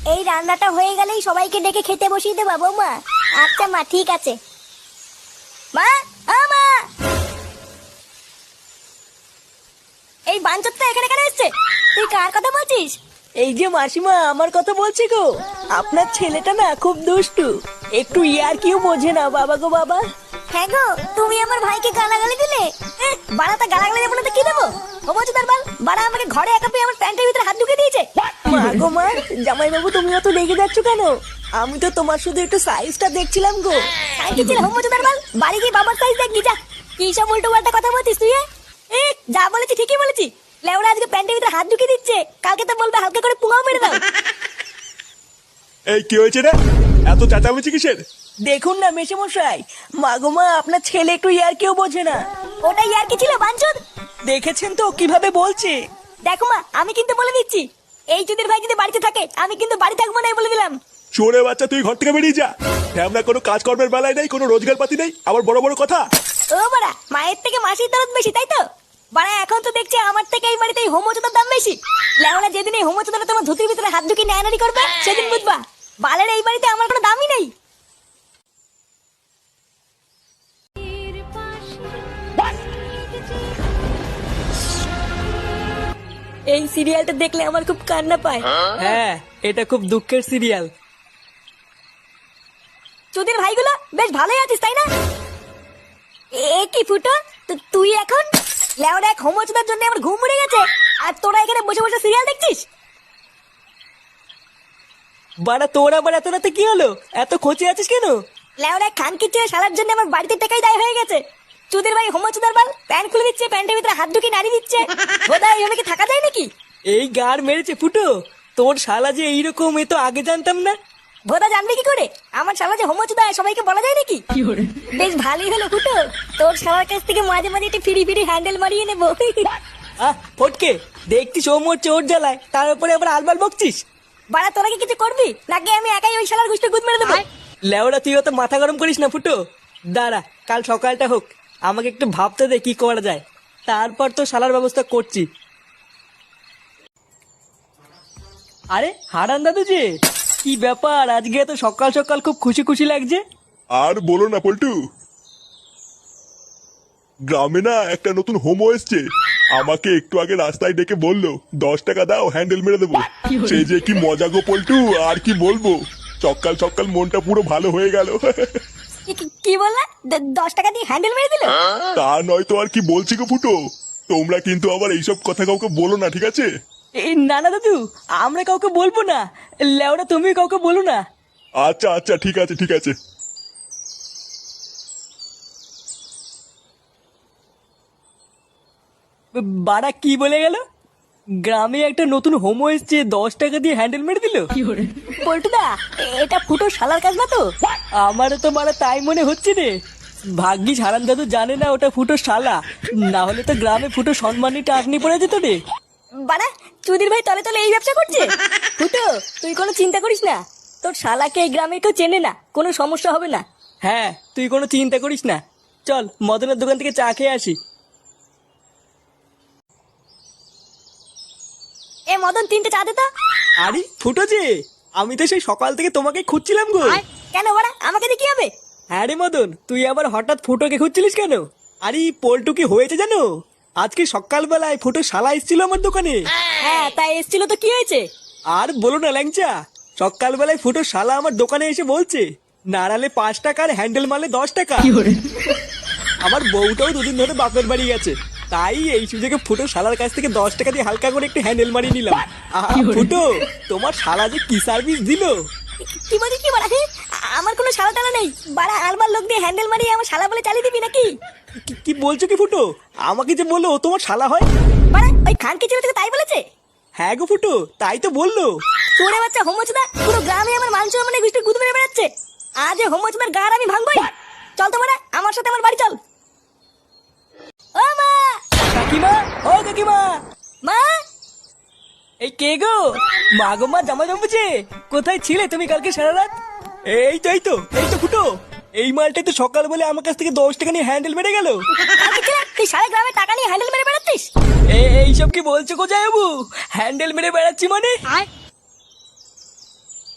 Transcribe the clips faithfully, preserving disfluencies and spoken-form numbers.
এই রান্নাটা হয়ে গেলেই সবাইকে ডেকে খেতে বসিয়ে দেবা বৌমা। আচ্ছা মা, ঠিক আছে। মা, ও মা, এই বাঞ্চতটা এখানে কেন এসছে? তুই কার কথা বলছিস? এই যে মাসিমা, আমার কথা বলছি গো। আপনার ছেলেটা না খুব দুষ্টু, একটু ইয়ার কিউ বোঝে না। বাবা গো বাবা। হ্যাঁ গো, তুমি আমার ভাইকে গালাগালি দিলে। এহ, বাড়াটা গালাগালি দেবো না তো কি দেবো? হোমচুদার বাল, বাড়া আমাকে ঘরে একা পেয়ে আমার প্যান্টের ভিতরে হাত ঢুকে দিয়েছে। মা গো মা, জামাই বাবু তুমি অত রেগে যাচ্ছ কেন? আমি তো তোমার শুধু একটু সাইজটা দেখছিলাম গো। সাইকেল ছিল হোমচুদার বাল, বাড়ি গিয়ে বাবার সাইজ দেখবি যা। কি সব উল্টো পাল্টা কথা বলছিস তুই? এ যা বলেছি ঠিকই বলেছি। লেওড়া আজকে প্যান্টের ভিতরে হাত ঢুকে দিচ্ছে, কালকে তো বলবে হালকা করে পুঙাও মেরে দাও। এই কি হয়েছে রে? এত চেঁচামেচি কিসের? দেখুন না মেশামশাই, মা গো মা, আপনার ছেলে একটু ইয়ার কিউ বোঝে না। ওটাই আর কি ছিল বাঞ্চদ? দেখেছেন তো কিভাবে বলছে। দেখো মা, আমি কিন্তু বলে দিচ্ছি, এই চুদির ভাই যদি বাড়িতে থাকে আমি কিন্তু বাড়ি থাকবো না, বলে দিলাম। চোরে বাচ্চা, তুই ঘর থেকে বেরিয়ে যা। আমরা কোনো কাজকর্মের বেলায় নেই, কোনো রোজগার পাতি নেই, আবার বড় বড় কথা। ও বাড়া, মায়ের থেকে মাসির দরদ বেশি, তাই তো? বাড়া এখন তো দেখছি আমার থেকে এই বাড়িতে এই হোমচুদার দাম বেশি। লেওড়া যেদিন এই হোমচুদারা তোমার ধুতির ভিতরে হাত ঢুকিয়ে নেয়ানারি করবে সেদিন বুঝবা বালের এই বাড়িতে আমার কোনো দামই নেই। এই সিরিয়ালটা দেখলে আমার খুব কান্না পায়। হ্যাঁ, এটা খুব দুঃখের সিরিয়াল। চুদির ভাইগুলো বেশ ভালোই আছিস, তাই না? এ কি ফুটো, তু- তুই এখন লেওড়া এক হোমচুদার জন্য আমার ঘুম উড়ে গেছে, আর তোরা এখানে বসে বসে সিরিয়াল দেখছিস? বাড়া তোর আবার এত রাতে কি হলো? এত খোঁচে আছিস কেন? লেওড়া খান কিচ্ছে সালার জন্য আমার বাড়িতে টাকাই দায় হয়ে গেছে। চুদির ভাই হোমচুদার বাল প্যান্ট খুলে দিচ্ছে, প্যান্টের ভিতরে হাত ঢুকিয়ে নাড়ি দিচ্ছে। বোধহয় এইভাবে কি থাকা যায় নাকি? এই গার মেরেছে ফুটো, তোর শালা যে এইরকম, এ তো আগে জানতাম না। ভোদা জানবি কি করে? আমার শালা যে হোমচুদা সবাইকে বলা যায় নাকি? বেশ ভালোই হলো ফুটো, তোর শালার কাছ থেকে মাঝে মাঝে একটু ফিরি ফিরি হ্যান্ডেল মারিয়ে নেবো। আহ ফটকে, দেখছি সৌমর চোর জ্বালায়, তার উপরে আবার আলবাল বকছিস। বাড়া তোরা কি কিছু করবি নাকি আমি একাই ওই শালার গুষ্টি গুদ মেরে দেবো? লেওড়া তুই অত মাথা গরম করিস না ফুটো। দাঁড়া, কাল সকালটা হোক, আমাকে একটু ভাবতে দে কি করা যায়, তারপর তো শালার ব্যবস্থা করছি। আরে হারান দাদু যে, কি ব্যাপার আজকে তো সকাল সকাল খুব খুশি খুশি লাগছে? আর বলো না পল্টু, গ্রামে না একটা নতুন হোমো এসছে। আমাকে একটু আগে রাস্তায় ডেকে বললো দশ টাকা দাও, হ্যান্ডেল মেরে দেবো। সেই যে কি মজা গো পল্টু, আর কি বলবো। সকাল সকাল মনটা পুরো ভালো হয়ে গেল। কি- কি- কি বললা? দ- দশ টাকা দিয়ে হ্যান্ডেল মেরে দিল? তা নয় তো আর কি বলছি গো ফুটো। তোমরা কিন্তু আবার এইসব কথা কাউকে বলো না, ঠিক আছে? এই না না দাদু, আমরা কাউকে বলবো না। লেওড়া তুমি কাউকে বলো না। আচ্ছা আচ্ছা, ঠিক আছে ঠিক আছে। বাড়া কি বলে গেল? গ্রামে একটা নতুন হোমো এসছে, দশ টাকা দিয়ে হ্যান্ডেল মেরে দিল। পল্টুদা, এটা ফুটো শালার কাজ না তো? আমারও তো মারা তাই মনে হচ্ছে রে। ভাগ্যিস হারান দাদু জানে না ওটা ফুটো শালা, না হলে তো গ্রামে ফুটো সম্মানী টাকনি পড়ে যেত রে। বাড়া চুদির ভাই তলে তলে এই ব্যবসা করছে। ফুটো তুই কোনো চিন্তা করিস না, তোর শালাকে এই গ্রামে কেউ চেনে না, কোনো সমস্যা হবে না। হ্যাঁ, তুই কোনো চিন্তা করিস না। চল মদনের দোকান থেকে চা খেয়ে আসি। এ মদন, তিনটে চা দে তো। আরে ফুটো যে, আমি তো সেই সকাল থেকে তোমাকে খুঁজছিলাম গো। কেন বাড়া, আমাকে দিয়ে কি হবে? হ্যাঁ রে মদন, তুই আবার হঠাৎ ফুটোকে খুঁজছিলিস কেন? আরে পল্টু কি হয়েছে জানো? আজকে সকালবেলায় ফুটো শালা এসেছিল আমার দোকানে। হ্যাঁ তাই এসছিল তো কি হয়েছে? আর বলো না ল্যাংচা, সকালবেলায় ফুটো শালা আমার দোকানে এসে বলছে নাড়ালে পাঁচ টাকা আর হ্যান্ডেল মারলে দশ টাকা। আমার বউটাও দুদিন ধরে বাপের বাড়ি গেছে, তাই এই সুযোগে ফুটো শালার কাছ থেকে দশ টাকা দিয়ে হালকা করে একটু হ্যান্ডেল মারিয়ে নিলাম। আহা, ফুটো তোমার শালা যে কি সার্ভিস দিল। কি বলছিস কি বাড়া? হ্যাঁ, আমার কোনো শালা টালা নেই। বাড়া আলবার লোক দিয়ে হ্যান্ডেল মারিয়ে আমার শালা বলে চালিয়ে দিবি নাকি? কি- কি বলছো কি ফুটো? আমাকে যে বললো ও তোমার শালা হয়। বাড়া ওই খান কি ছিল তাই বলেছে? হ্যাঁ গো ফুটো, তাই তো বললো। তোরে বাচ্চা হোমচুদা পুরো গ্রামে আমার মান সম্মানের গুষ্টি গুদ মেরে বেড়াচ্ছে। আজ এই হোমচুদার গাড় আমি ভাঙবই। চল তো বাড়া আমার সাথে আমার বাড়ি চল। ও মা! কাকিমা, ও কাকিমা। মা! এই কে গো? মা গো মা, জামা জমেছে। কোথায় ছিলে তুমি কালকে সারা রাত? এই তো এই তো এই তো ফুটো, এই মালটাই তো সকাল বলে আমার কাছ থেকে দশ টাকা নিয়ে হ্যান্ডেল মেরে গেল। কালকে ছিল তুই সারা গ্রামে টাকা নিয়ে হ্যান্ডেল মেরে বেড়াচ্ছিস? এইসব কি বলছো কোথায় বাবু? হ্যান্ডেল মেরে বেড়াচ্ছি মানে?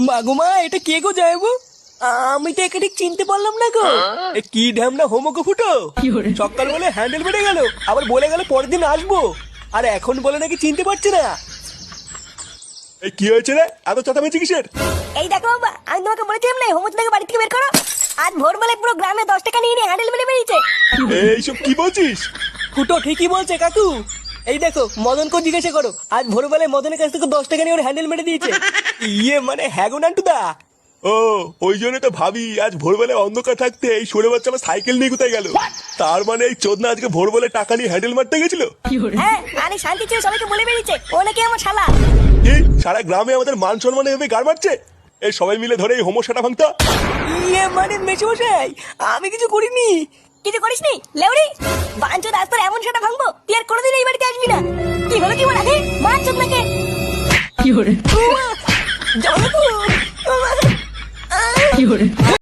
মাগুমা এটা কে গো যাইবো? আমি তো একে ঠিক চিনতে পারলাম না গো। এ কি ঢ্যামনা হোমোকে ফুটো, সকাল বলে হ্যান্ডেল বেড়ে গেল, আবার বলে গেল পরের দিন আসবো, আর এখন বলে নাকি চিনতে পারছে না। এই কি হয়েছে রে, এত চেঁচামেচি কিসের? এই দেখো বাবা, আমি তোমাকে বলেছিলাম না হোমোচোদাকে বাড়ি থেকে বের করো। আজ ভোরবেলায় পুরো গ্রামে দশ টাকা নিয়ে নিয়ে হ্যান্ডেল মেরে বেরিয়েছে। এইসব কি বলছিস? ফুটো ঠিকই বলছে কাকু। এই দেখো মদনকে জিজ্ঞাসা করো, আজ ভোরবেলায় মদনের কাছ থেকে দশ টাকা নিয়ে ওর হ্যান্ডেল মেরে দিয়েছে। ইয়ে মানে হ্যাঁ গো নান্টুদা। ও ওই জন্য তো ভাবি আজ ভোরবেলায় অন্ধকার থাকতে এই সরে বাচ্চা আমার সাইকেল নিয়ে কোথায় গেল। তার মানে এই চোদনা আজকে ভোরবেলায় টাকা নিয়ে হ্যান্ডেল মারতে গেছিল। হ্যাঁ, আরে শান্তি ছিল সবাইকে বলে বেরিয়েছে ও নাকি আমার শালা। কি সারা গ্রামে আমাদের মান সম্মান এভাবে গাড় মারছে? এই সবাই মিলে ধরে এই হোমো সাটা ভাঙতা। ইয়ে মানে মেশমশাই আমি কিছু করিনি। কিছু করিসনি লেউরি? বাঞ্চোদ আজ তোর এমন সেটা ভাঙবো তুই আর কোনোদিন এই বাড়িতে আসবি না। কি হলো কি বলা হে বাঞ্চোদ নাকি? কি হরে জনপুর কি হরে